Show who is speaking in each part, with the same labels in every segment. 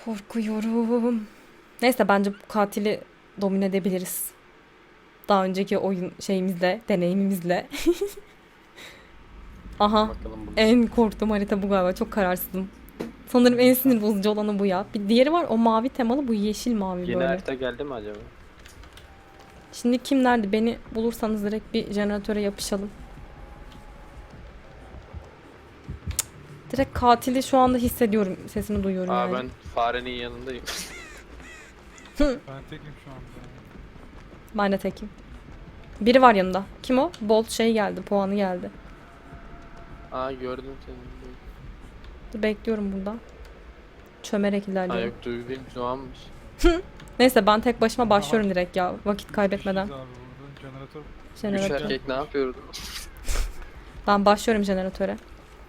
Speaker 1: Korkuyorum. Neyse bence bu katili domine edebiliriz. Daha önceki oyun şeyimizle, deneyimimizle. Aha.
Speaker 2: Bakalım bunu.
Speaker 1: En korktuğum harita bu galiba. Çok kararsızım. Sanırım en sinir bozucu olanı bu ya. Bir diğeri var, o mavi temalı, bu yeşil mavi
Speaker 2: Yeni
Speaker 1: böyle.
Speaker 2: harita geldi mi acaba?
Speaker 1: Şimdi kim nerede? Beni bulursanız direkt bir jeneratöre yapışalım. Direkt katili şu anda hissediyorum. Sesini duyuyorum
Speaker 2: Aa
Speaker 1: yani.
Speaker 2: ben farenin yanındayım.
Speaker 3: Ben tekim şu anda.
Speaker 1: Ben de tekim. Biri var yanında. Kim o? Bolt şey geldi. Puanı geldi.
Speaker 2: Aa gördüm seni.
Speaker 1: Dur, bekliyorum burada. Çömerek
Speaker 2: Aa
Speaker 1: ilerliyorum.
Speaker 2: yok Duygu değil Doğan'mış.
Speaker 1: Neyse ben tek başıma başlıyorum direkt ya. Vakit kaybetmeden.
Speaker 3: Düşeceğiz abi burada. Jeneratör.
Speaker 2: Üç
Speaker 1: Jeneratör.
Speaker 2: erkek ne yapıyordu?
Speaker 1: Ben başlıyorum jeneratöre.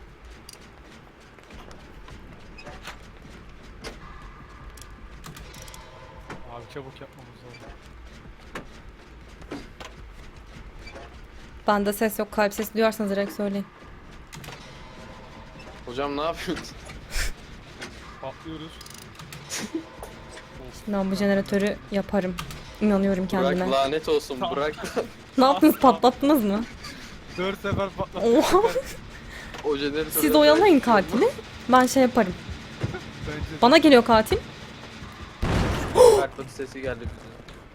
Speaker 3: Abi çabuk yapmamız lazım.
Speaker 1: Bende ses yok. Kalp sesi duyarsanız direkt söyleyin.
Speaker 2: Hocam ne yapıyorsun?
Speaker 3: Patlıyoruz.
Speaker 1: Ben bu jeneratörü yaparım. İnanıyorum kendime.
Speaker 2: Bırak lanet olsun
Speaker 3: Tamam.
Speaker 2: bırak.
Speaker 1: Ne yaptınız? Patlattınız mı?
Speaker 3: 4 sefer patlattık.
Speaker 1: Oha!
Speaker 2: O jeneratörü
Speaker 1: Siz oyalayın katili. Ben şey yaparım.
Speaker 3: Bence
Speaker 1: Bana geliyor katil.
Speaker 2: Kartlatı sesi geldi bize.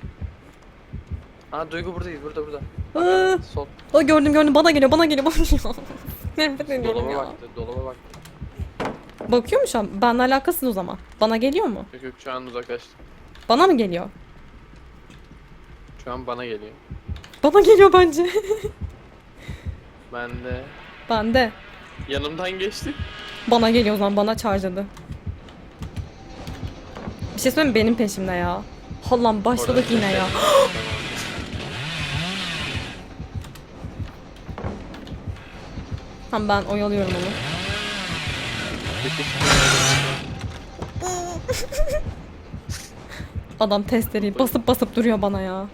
Speaker 2: Aa Duygu buradayız burada.
Speaker 1: Aa,
Speaker 2: Sol.
Speaker 1: o gördüm. Bana geliyor. Bana geliyor. Nefret ediyorum
Speaker 2: Dolaba
Speaker 1: ya.
Speaker 2: baktı.
Speaker 1: Bakıyor mu şu an? Benimle alakasız o zaman. Bana geliyor mu?
Speaker 2: Yok şu an uzaklaştı.
Speaker 1: Bana mı geliyor?
Speaker 2: Şu an bana geliyor.
Speaker 1: Bana geliyor bence.
Speaker 2: Ben de
Speaker 1: Bende.
Speaker 2: yanımdan geçti.
Speaker 1: Bana geliyor o zaman. Bana charge'ladı. Bir şey söyleyeyim mi? Benim peşimde ya. Allah'ım başladık yine ya. Tamam ben oyalıyorum onu. Adam testereyi basıp duruyor bana ya.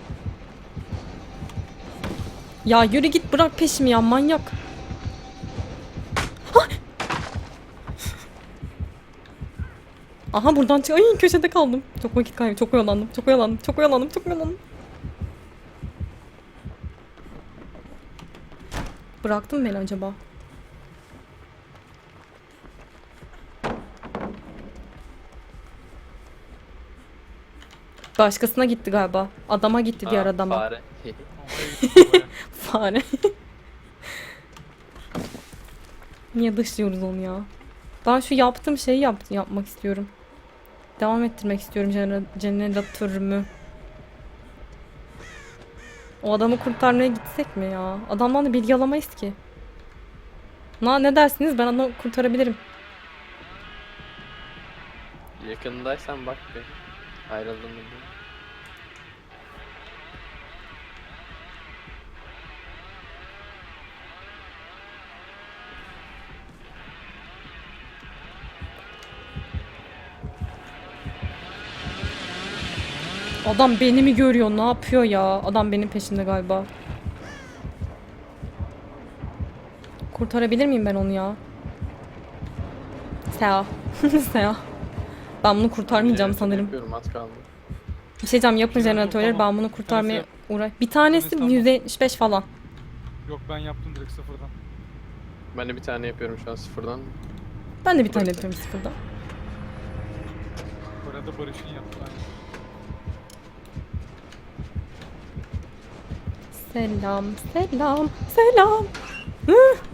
Speaker 1: Ya yürü git, bırak peşimi ya, manyak. Ay! Aha buradan çık. Ay köşede kaldım. Çok vakit kaybı. Çok oyalandım. Bıraktın mı beni acaba? Başkasına gitti galiba. Adama gitti diğer
Speaker 2: Aa,
Speaker 1: adama.
Speaker 2: Fare.
Speaker 1: Fare. Niye dışlıyoruz onu ya? Ben şu yaptığım şeyi yapmak istiyorum. Devam ettirmek istiyorum jeneratörümü. O adamı kurtarmaya gitsek mi ya? Adamdan da bilgi alamayız ki. Ne dersiniz? Ben adamı kurtarabilirim.
Speaker 2: Yakındaysan bak be. Ayrıldın mı?
Speaker 1: Adam beni mi görüyor? Ne yapıyor ya? Adam benim peşimde galiba. Kurtarabilir miyim ben onu ya? Sea. Sea. Ben bunu kurtarmayacağım
Speaker 2: Jeneratör
Speaker 1: sanırım.
Speaker 2: Yapıyorum az kaldı.
Speaker 1: Bir şey diyeceğim, yapın
Speaker 3: Jeneratör
Speaker 1: jeneratörleri,
Speaker 3: tamam.
Speaker 1: ben bunu kurtarmaya
Speaker 3: Tanesi-
Speaker 1: Bir tanesi
Speaker 3: tamam.
Speaker 1: %75 falan.
Speaker 3: Yok ben yaptım direkt sıfırdan.
Speaker 2: Ben de bir tane yapıyorum şu an sıfırdan.
Speaker 1: Ben de bir tane
Speaker 2: Burası.
Speaker 1: yapıyorum sıfırda.
Speaker 3: Orada Barış'ın yaptı. Aynen.
Speaker 1: Selam. Hı.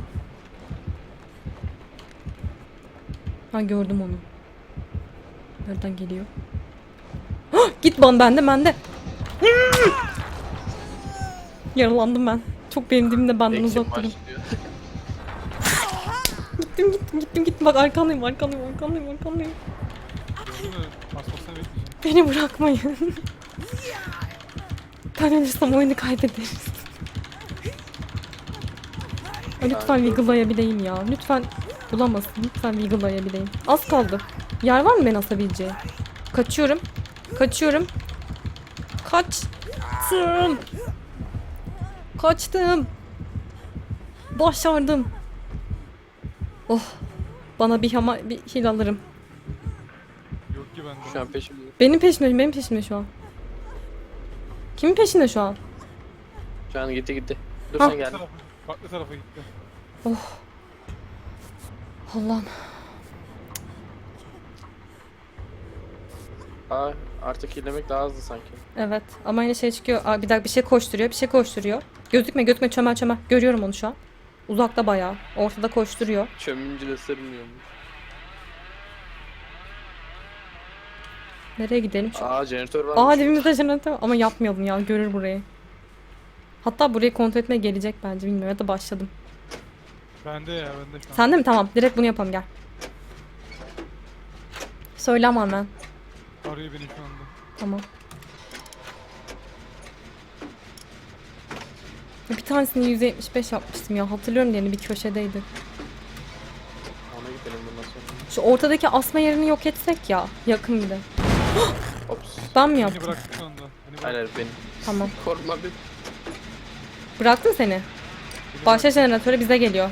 Speaker 1: Ha gördüm onu. Nereden geliyor? Hah, git bende. Hı. Yaralandım ben. Çok benim dibimde, benden
Speaker 2: Ekim
Speaker 1: uzak durun.
Speaker 2: başlıyor.
Speaker 1: Gittim. Bak arkandayım.
Speaker 3: Gördün mü? Asmasını bekleyeceğim.
Speaker 1: Beni bırakmayın. Ben ölürsem oyunu kaybederiz. Ay, lütfen Wiggle'layabileyim ya. Lütfen bulamasın. Lütfen Wiggle'layabileyim. Az kaldı. Yer var mı beni asabileceği? Kaçıyorum. Kaçtım. Başardım. Oh. Bana bir hil alırım.
Speaker 3: Yok ki bende.
Speaker 2: Şu an peşimde.
Speaker 1: Benim peşimde şu an. Kimin peşinde şu an?
Speaker 2: Şu an gitti. Dur
Speaker 1: Ha.
Speaker 2: sen gel.
Speaker 3: Farklı tarafa gitti.
Speaker 1: Allah'ım.
Speaker 2: Aa, artık ilerlemek daha hızlı sanki.
Speaker 1: Evet ama yine şey çıkıyor. Aa, bir dakika bir şey koşturuyor. Gözükme çömel. Görüyorum onu şu an. Uzakta bayağı. Ortada koşturuyor.
Speaker 2: Çömünce de sırmıyormuş.
Speaker 1: Nereye gidelim şu an?
Speaker 2: Aa, jeneratör var.
Speaker 1: Aa, dibimizde jeneratör ama yapmayalım ya, görür burayı. Hatta burayı kontrol etmeye gelecek bence, bilmiyorum, ya da başladım.
Speaker 3: Bende şu an.
Speaker 1: Sende mi? Tamam, direkt bunu yapalım, gel. Söyle ama hemen.
Speaker 3: Arıyor beni şu anda.
Speaker 1: Tamam. Bir tanesini 175 yapmıştım ya, hatırlıyorum, diğerini bir köşedeydi.
Speaker 2: Ona gidelim bundan sonra.
Speaker 1: Şu ortadaki asma yerini yok etsek ya, yakın bir de.
Speaker 2: Ops.
Speaker 1: Ben mi
Speaker 3: Beni
Speaker 1: yaptım?
Speaker 3: bıraktı şu anda. Beni bıraktı.
Speaker 2: Hayır benim.
Speaker 1: Tamam.
Speaker 2: Korkma bir.
Speaker 1: Bıraktım seni.
Speaker 3: Beni
Speaker 1: Başla
Speaker 3: bıraktı.
Speaker 1: jeneratöre, bize geliyor.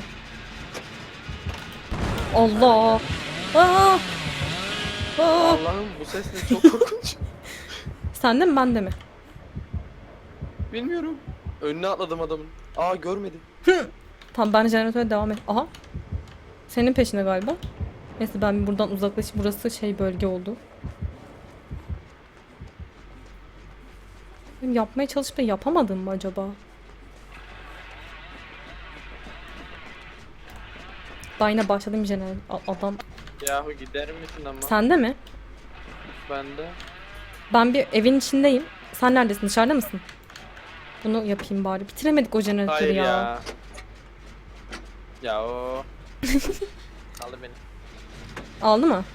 Speaker 1: Allah. Aa! Aa!
Speaker 2: Allah'ım bu ses ne, çok korkunç.
Speaker 1: Sende mi, bende mi?
Speaker 2: Bilmiyorum. Önüne atladım adamın. Aa, görmedi.
Speaker 1: Tamam, ben jeneratöre devam et. Aha. Senin peşinde galiba. Neyse, ben buradan uzaklaşayım. Burası şey, bölge oldu. Benim yapmaya çalışıp da yapamadım mı acaba? Daha yine başladım adam.
Speaker 2: Yahu gider misin ama?
Speaker 1: Sende mi?
Speaker 2: Ben de.
Speaker 1: Ben bir evin içindeyim. Sen neredesin? Dışarıda mısın? Bunu yapayım bari. Bitiremedik o jeneratörü
Speaker 2: Hayır
Speaker 1: ya.
Speaker 2: ya. Ya o. Aldı beni.
Speaker 1: Aldı mı?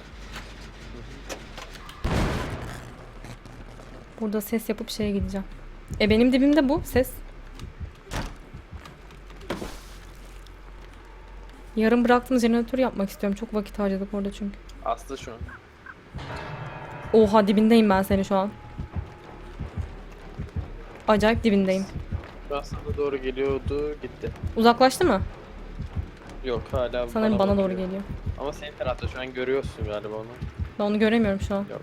Speaker 1: Burada ses yapıp şeye gideceğim. Benim dibimde bu ses. Yarım bıraktığım jeneratörü yapmak istiyorum. Çok vakit harcadık orada çünkü.
Speaker 2: Aslı şu an.
Speaker 1: Oha, dibindeyim ben seni şu an. Acayip dibindeyim.
Speaker 2: Şu an sana doğru geliyordu, gitti.
Speaker 1: Uzaklaştı mı?
Speaker 2: Yok, hala
Speaker 1: Sanırım bana doğru
Speaker 2: bakıyor.
Speaker 1: geliyor.
Speaker 2: Ama senin tarafta şu an görüyorsun galiba onu.
Speaker 1: Ben onu göremiyorum şu an.
Speaker 2: Yok.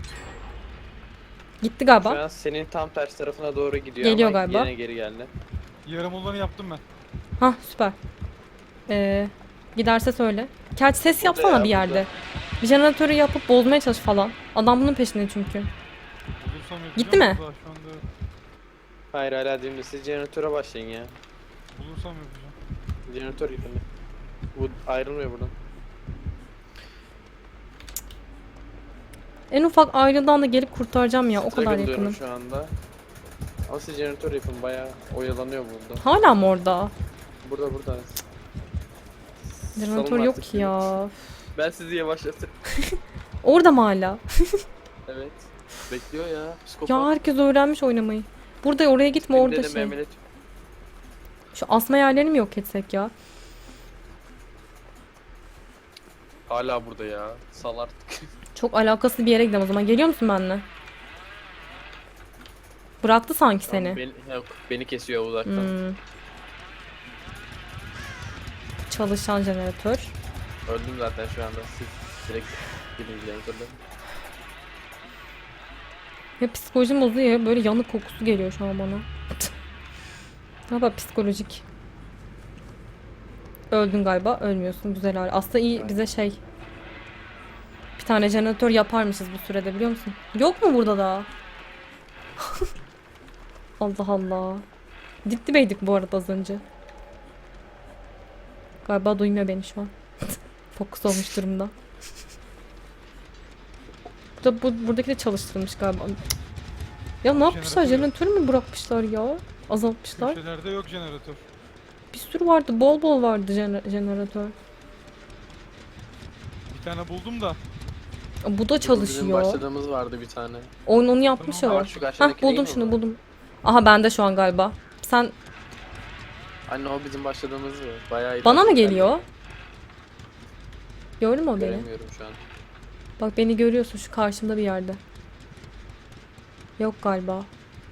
Speaker 1: Gitti
Speaker 2: Şu
Speaker 1: galiba.
Speaker 2: an senin tam ters tarafına doğru gidiyor
Speaker 1: Geliyor
Speaker 2: ama
Speaker 1: galiba.
Speaker 2: yine geri geldi.
Speaker 3: Yarım olanı yaptım ben.
Speaker 1: Hah, süper. Giderse söyle. Gerçi ses
Speaker 2: Burada
Speaker 1: yapsana
Speaker 2: ya,
Speaker 1: bir yerde.
Speaker 2: burada.
Speaker 1: Bir jeneratörü yapıp bozmaya çalış falan. Adam bunun peşinde çünkü.
Speaker 3: Bulursam yapacağım.
Speaker 1: Gitti mi?
Speaker 3: Daha şu anda
Speaker 2: Hayır, hala dibinde. Siz jeneratöre başlayın ya.
Speaker 3: bulursam yapacağım.
Speaker 2: Jeneratör yıkıldı. Bu ayrılmıyor buradan.
Speaker 1: En ufak ayrıdan da gelip kurtaracağım ya. O kadar
Speaker 2: Struggle diyorum
Speaker 1: yakınım.
Speaker 2: şu anda. Ama siz jeneratör yapın, bayağı oyalanıyor burada.
Speaker 1: Hala mı orada?
Speaker 2: Burada.
Speaker 1: Jeneratör
Speaker 2: Salın
Speaker 1: yok
Speaker 2: artık
Speaker 1: ki ya.
Speaker 2: Ben sizi yavaşlatırım.
Speaker 1: Orada mı hala?
Speaker 2: Evet. Bekliyor ya. Psikopat.
Speaker 1: Ya herkes öğrenmiş oynamayı. Burada, oraya gitme,
Speaker 2: Benim
Speaker 1: orada
Speaker 2: dedim
Speaker 1: şey.
Speaker 2: Mehmet.
Speaker 1: Şu asma yerlerini mi yok etsek ya?
Speaker 2: Hala burada ya. Sal artık.
Speaker 1: Çok alakasız bir yere gidelim o zaman. Geliyor musun benimle? Bıraktı sanki seni.
Speaker 2: Yok, beni kesiyor uzaktan.
Speaker 1: Hmm. Çalışan jeneratör.
Speaker 2: Öldüm zaten şu anda. Siz direkt gidin jeneratörle.
Speaker 1: Ya psikolojim bozuyor ya. Böyle yanık kokusu geliyor şu an bana. Ne yapar psikolojik. Öldün galiba. Ölmüyorsun. Güzel hali. Aslında iyi bize şey. Bir tane jeneratör yaparmışız bu sürede, biliyor musun? Yok mu burada da? Allah Allah. Dip dibeydik bu arada az önce. Galiba duymuyor beni şu an. Fokus olmuş durumda. Buradaki de çalıştırılmış galiba. Ya ne yapmışlar?
Speaker 3: Jeneratör
Speaker 1: Jeneratörü mü bırakmışlar ya? Azaltmışlar.
Speaker 3: Köşelerde yok jeneratör.
Speaker 1: Bir sürü vardı. Bol bol vardı jeneratör.
Speaker 3: Bir tane buldum da.
Speaker 1: Bu da
Speaker 2: Bizim
Speaker 1: çalışıyor.
Speaker 2: başladığımız vardı bir tane.
Speaker 1: Oyun onu yapmış
Speaker 3: Tamam,
Speaker 1: ya.
Speaker 2: Aa, şu
Speaker 1: Hah,
Speaker 2: karşıdaki
Speaker 1: buldum
Speaker 2: değil mi
Speaker 1: şunu,
Speaker 2: bu?
Speaker 1: buldum. Aha, bende şu an galiba. Sen
Speaker 2: Anne, o bizim başladığımız mı? Bayağı iyi.
Speaker 1: bana mı geliyor? Gördün mü o beni?
Speaker 2: Göremiyorum şu an.
Speaker 1: Bak, beni görüyorsun şu karşımda bir yerde. Yok galiba.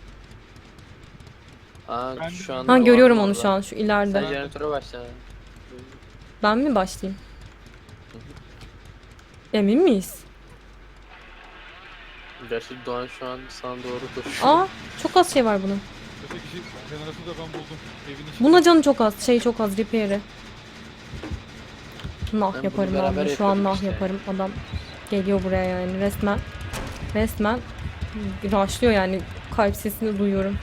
Speaker 2: Aa,
Speaker 3: Ben
Speaker 2: şu
Speaker 3: de-
Speaker 2: an.
Speaker 1: Ha, görüyorum onu şu an şu
Speaker 2: Sen
Speaker 1: ileride.
Speaker 2: jeneratöre başla.
Speaker 1: Ben mi başlayayım? Emin miyiz?
Speaker 2: Gerçi Doğan şu an sana doğru koşuyor.
Speaker 1: Aa, çok az şey var bunun.
Speaker 3: Öteki jeneratörü de ben buldum. Evin içinde.
Speaker 1: Buna canı çok az. Şey çok az. Repair'i. Nah
Speaker 2: Ben
Speaker 1: yaparım
Speaker 2: bunu
Speaker 1: ben
Speaker 2: beraber
Speaker 1: bunu. Şu an
Speaker 2: yapıyorduk
Speaker 1: nah
Speaker 2: işte.
Speaker 1: yaparım. Adam geliyor buraya yani resmen. Resmen rushlıyor yani. Kalp sesini duyuyorum.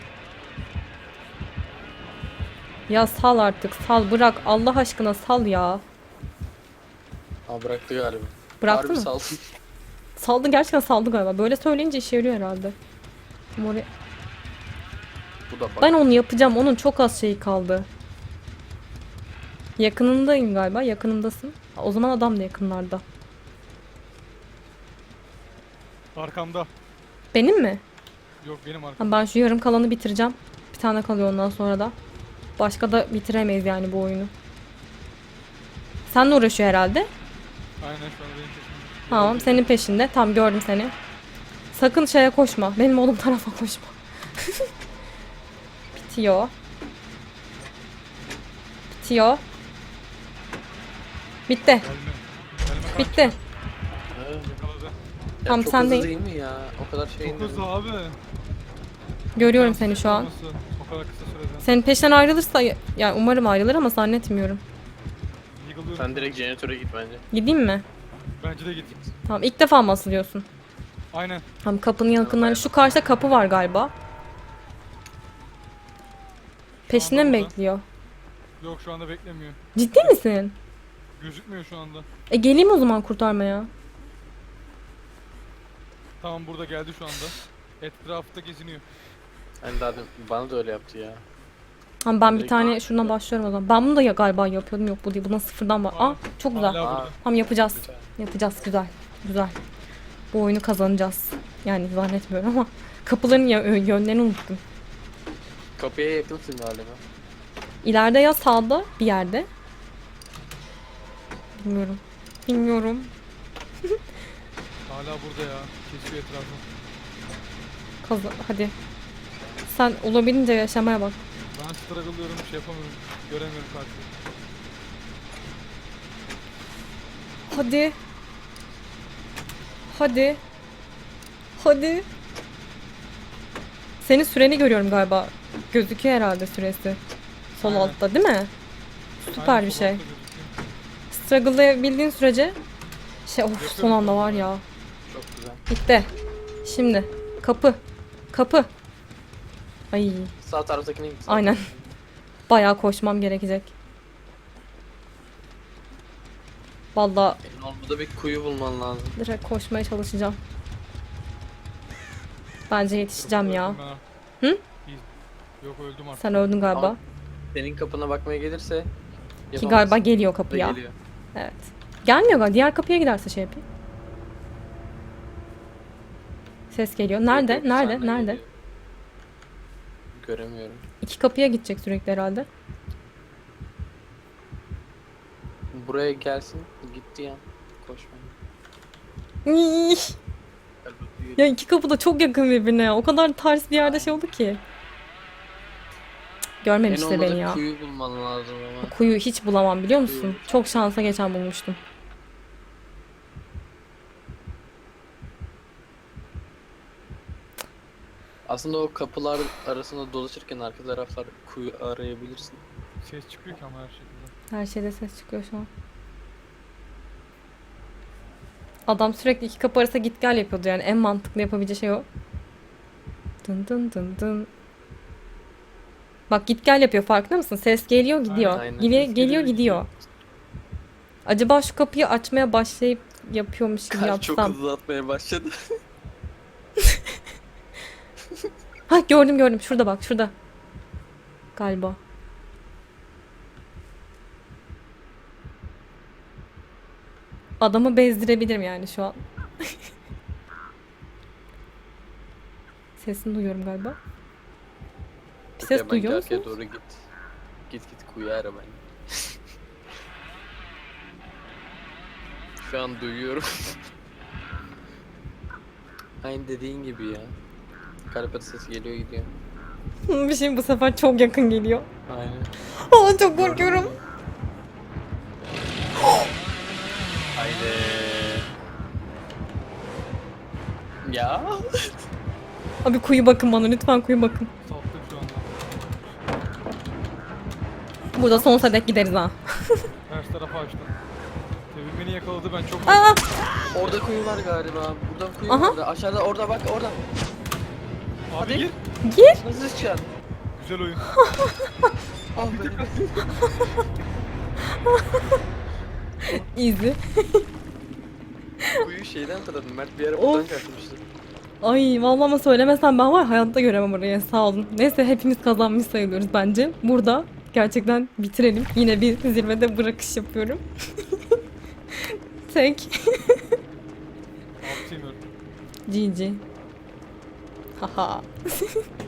Speaker 1: Ya sal artık. Sal bırak. Allah aşkına sal ya.
Speaker 2: Aa, bıraktı galiba.
Speaker 1: Bıraktı
Speaker 2: Harbi
Speaker 1: mı?
Speaker 2: sal.
Speaker 1: Saldı, gerçekten saldı galiba. Böyle söyleyince işe yarıyor herhalde.
Speaker 2: Bu da bak.
Speaker 1: Ben onu yapacağım. Onun çok az şeyi kaldı. Yakınındayım galiba. Yakınımdasın. O zaman adam da yakınlarda.
Speaker 3: Arkamda.
Speaker 1: Benim mi?
Speaker 3: Yok benim arkamda.
Speaker 1: Ha, ben şu yarım kalanı bitireceğim. Bir tane kalıyor ondan sonra da. Başka da bitiremeyiz yani bu oyunu. Seninle uğraşıyor herhalde.
Speaker 3: Aynen şu an benim peşimde.
Speaker 1: Tamam, senin peşinde. Tam gördüm seni. Sakın şeye koşma. Benim oğlum tarafa koşma. Bitiyor. Bitiyor. Bitti.
Speaker 3: Gelme. Gelme kanka.
Speaker 1: Bitti.
Speaker 2: Ha.
Speaker 3: Yakaladı.
Speaker 2: Ya
Speaker 1: Tam
Speaker 2: çok
Speaker 1: sendeyim.
Speaker 2: hızlı değil mi ya? O kadar şey
Speaker 3: Çok hızlı abi.
Speaker 1: Görüyorum seni şu an.
Speaker 3: Olması, o kadar kısa sürede.
Speaker 1: Senin peşinden ayrılırsa, yani umarım ayrılır ama zannetmiyorum.
Speaker 3: Yıkılıyorum.
Speaker 2: Sen direkt jeneratöre git bence.
Speaker 1: Gideyim mi?
Speaker 3: Bence de git.
Speaker 1: Tamam, ilk defa mı asılıyorsun?
Speaker 3: Aynen.
Speaker 1: Tamam, kapının yakınları. Şu karşıda kapı var galiba. Peşinde mi
Speaker 3: burada.
Speaker 1: bekliyor?
Speaker 3: Yok şu anda beklemiyor.
Speaker 1: Ciddi misin?
Speaker 3: Gözükmüyor şu anda.
Speaker 1: Geleyim o zaman kurtarmaya.
Speaker 3: Tamam burada geldi şu anda. Etrafta geziniyor.
Speaker 2: Hani daha bana da öyle yaptı ya.
Speaker 1: Tamam, ben bir
Speaker 2: Direkt
Speaker 1: tane
Speaker 2: bak.
Speaker 1: şuradan başlıyorum o zaman. Ben bunu da galiba yapıyordum. Yok, bu değil. Buna sıfırdan var. Aa, çok güzel.
Speaker 3: Hala
Speaker 2: Aa.
Speaker 3: burada.
Speaker 1: Tamam, yapacağız.
Speaker 2: Güzel.
Speaker 1: Yapacağız. Güzel. Güzel. Bu oyunu kazanacağız. Yani zannetmiyorum ama kapıların yönlerini unuttum.
Speaker 2: Kapıya yakınsın galiba.
Speaker 1: İleride ya sağda bir yerde. Bilmiyorum. Bilmiyorum.
Speaker 3: Hala burada ya. Kesiyor etrafı.
Speaker 1: Hadi. Sen olabildiğince yaşamaya bak.
Speaker 3: Ben struggle'lıyorum, şey yapamıyorum. Göremiyorum karşıyı.
Speaker 1: Hadi. Hadi. Hadi. Senin süreni görüyorum galiba. Gözüküyor herhalde süresi. Sol
Speaker 3: Aynen.
Speaker 1: altta değil mi? Süper
Speaker 3: Aynen,
Speaker 1: bir
Speaker 3: sol
Speaker 1: şey.
Speaker 3: altta gözüküyor.
Speaker 1: Struggle'layabildiğin sürece of,
Speaker 3: Yapıyorum
Speaker 1: son anda
Speaker 3: şu
Speaker 1: var
Speaker 3: anda.
Speaker 1: ya.
Speaker 2: Çok güzel.
Speaker 1: Bitti. Şimdi kapı. Kapı. Ay,
Speaker 2: Sağ taraftakine git.
Speaker 1: aynen. Bayağı koşmam gerekecek. Vallahi
Speaker 2: Senin olmadı bir kuyu bulman lazım.
Speaker 1: direkt koşmaya çalışacağım. Bence yetişeceğim ya.
Speaker 3: Öldüm ben ha.
Speaker 1: Hı?
Speaker 3: İyi. Yok öldüm artık.
Speaker 1: Sen öldün galiba.
Speaker 2: Ama Senin kapına bakmaya gelirse
Speaker 1: Ki
Speaker 2: yapamazsın.
Speaker 1: galiba geliyor
Speaker 2: Da
Speaker 1: kapıya.
Speaker 2: geliyor.
Speaker 1: Evet. Gelmiyor galiba. Diğer kapıya giderse şey yapayım. Ses geliyor. Nerede?
Speaker 2: Yok,
Speaker 1: Nerede?
Speaker 2: senden
Speaker 1: Nerede?
Speaker 2: geliyor. Göremiyorum.
Speaker 1: İki kapıya gidecek sürekli herhalde.
Speaker 2: Buraya gelsin. Gitti ya. Koşma.
Speaker 1: İy!
Speaker 2: Gel bakayım.
Speaker 1: Ya iki kapı da çok yakın birbirine ya. O kadar ters bir yerde şey oldu ki. Cık,
Speaker 2: En
Speaker 1: görmemişti
Speaker 2: olmadı
Speaker 1: beni ya.
Speaker 2: kuyu bulman lazım ama.
Speaker 1: Kuyu hiç bulamam biliyor musun?
Speaker 2: Kuyu.
Speaker 1: Çok şansa geçen bulmuştum.
Speaker 2: Aslında o kapılar arasında dolaşırken arka taraflar kuyu arayabilirsin.
Speaker 3: Ses çıkıyor ki ama her şekilde.
Speaker 1: Her şeyde ses çıkıyor şu an. Adam sürekli iki kapı arasında git gel yapıyordu yani. En mantıklı yapabileceği şey o. Dın dın dın dın. Bak git gel yapıyor, farkında mısın? Ses geliyor gidiyor.
Speaker 2: Aynen.
Speaker 1: Geliyor gidiyor. Acaba şu kapıyı açmaya başlayıp yapıyormuş gibi
Speaker 2: Kalp çok
Speaker 1: yapsam.
Speaker 2: hızlı atmaya başladı.
Speaker 1: Ha, gördüm. Şurada bak, şurada. Galiba. Adamı bezdirebilirim yani şu an. Sesini duyuyorum galiba. Bir ses
Speaker 2: Ya
Speaker 1: duyuyor
Speaker 2: bence arkaya
Speaker 1: musunuz?
Speaker 2: doğru git. Git kuyu ara bence. Şu an duyuyorum. Aynı dediğin gibi ya. Kalp atı sesi geliyor gidiyor.
Speaker 1: Bir şey bu sefer çok yakın geliyor.
Speaker 2: Aynen.
Speaker 1: Aa, çok korkuyorum.
Speaker 2: Haydi. Ya.
Speaker 1: Abi kuyu bakın bana lütfen, kuyu bakın.
Speaker 3: Saptık şu anda.
Speaker 1: Burada sonsuza dek gideriz ha.
Speaker 3: Ters tarafa açtım. Tevin beni yakaladı, ben çok
Speaker 1: Aa!
Speaker 2: Orada kuyu var galiba. Buradan kuyu
Speaker 1: Aha.
Speaker 2: var. Aşağıda orada bak orada.
Speaker 3: Abi
Speaker 2: Hadi.
Speaker 3: gir.
Speaker 1: Gir.
Speaker 2: Nasıl çıkacaksın?
Speaker 3: Güzel oyun.
Speaker 2: Ah be.
Speaker 1: Easy.
Speaker 2: Kuyu şeyden hatırladım. Mert bir ara
Speaker 1: Of.
Speaker 2: buradan kaçmıştı.
Speaker 1: Ay vallahi ama söylemesem ben var hayatta göremem orayı, sağ olun. Neyse hepimiz kazanmış sayılıyoruz bence. Burada gerçekten bitirelim. Yine bir zirvede bırakış yapıyorum. Tek.
Speaker 3: Abi sevmiyorum.
Speaker 1: GG. Haha.